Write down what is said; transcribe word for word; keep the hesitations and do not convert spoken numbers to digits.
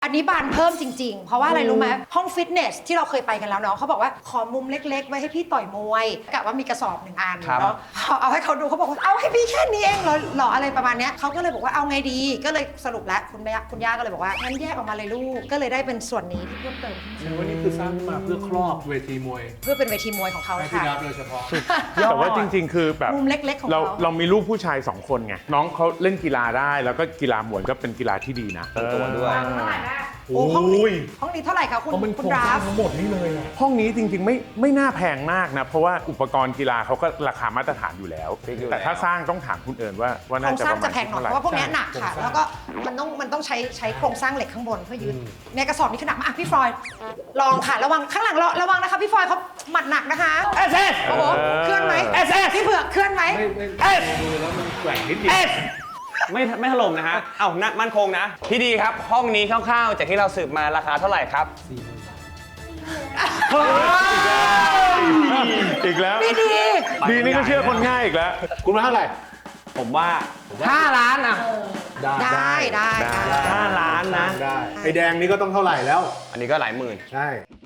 อันนี้บานเพิ่มจริงๆ เพราะว่าอะไรรู้ไหมห้องฟิตเนสที่เราเคยไปกันแล้วเนาะเขาบอกว่าขอมุมเล็กๆ ไว้ให้พี่ต่อยมวยกะว่ามีกระสอบหนึ่งอันเนาะพอเอาให้เขาดูเขาบอกว่าเอาให้พี่แค่นี้เองเหรอหรออะไรประมาณเนี้ยเขาก็เลยบอกว่าเอาไงดีก็เลยสรุปแล้วคุณแม่คุณย่าก็เลยบอกว่างั้นแยกออกมาเลยลูกก็เลยได้เป็นส่วนนี้ที่เพิ่มเติมแสดงว่านี่คือสร้างขึ้นมาเพื่อครอบเวทีมวยเพื่อเป็นเวทีมวยของเขาให้พี่ค่ะดับโดยเฉพาะแต่ว่าจริงๆ คือแบบมุมเล็กๆของเราเขาเรามีลูกผู้ชายสองคนไงน้องเขาเล่นกีฬาได้แล้วก็กีฬามวยก็เป็นกีฬาที่ดีนะตัวด้วยเท่าไหร่นะโอ้ห้องนี้ห้องนี้เท่าไหร่คะคุณเพราะมันคุโคณรงดสร้าราฟงทั้งหมดนี่เลยอะห้องนี้จริงๆไม่ไม่น่าแพงมากนะเพราะว่าอุปกรณ์กีฬาเขาก็ราคามาตรฐานอยู่แล้วฟิกอยู่แต่ถ้าแล้วสร้างต้องถามคุณเอิญว่าว่าโครน่าง จะสร้าปงระมาจะณแพงหน่อยเท่าไหร่เพราะว่าพวกเนี้ยหนักค่ะโครงสร้างแล้วก็มันต้องมันต้องใช้ใช้โครงสร้างเหล็กข้างบนเพื่อยึดในกระสอบนี้คือหนักมากอ่ะพี่ฟลอยด์ลองค่ะระวังข้างหลังระวังนะคะพี่ฟลอยด์เขาหมัดหนักนะคะเอสเอสโอ้โหเคลื่อนไหมเอสเอสพี่เผือกเคลื่อนไหมไม่ไม่เอ๊ะมือแล้วมันแกว่งนิดเดียวเอสไม่ไม่ถล่มนะฮะ เอ้านะมั่นคงนะ พี่ดีครับ ห้องนี้คร่าวๆ จากที่เราสืบมาราคาเท่าไหร่ครับอีกแล้วพี่ดีดีนี่ก็เชื่อคนง่ายอีกแล้วคุณมาเท่าไหร่ผมว่าห้าล้านอ่ะได้ได้ได้ได้ห้าล้านนะได้ไอแดงนี่ก็ต้องเท่าไหร่แล้วอันนี้ก็หลายหมื่นใช่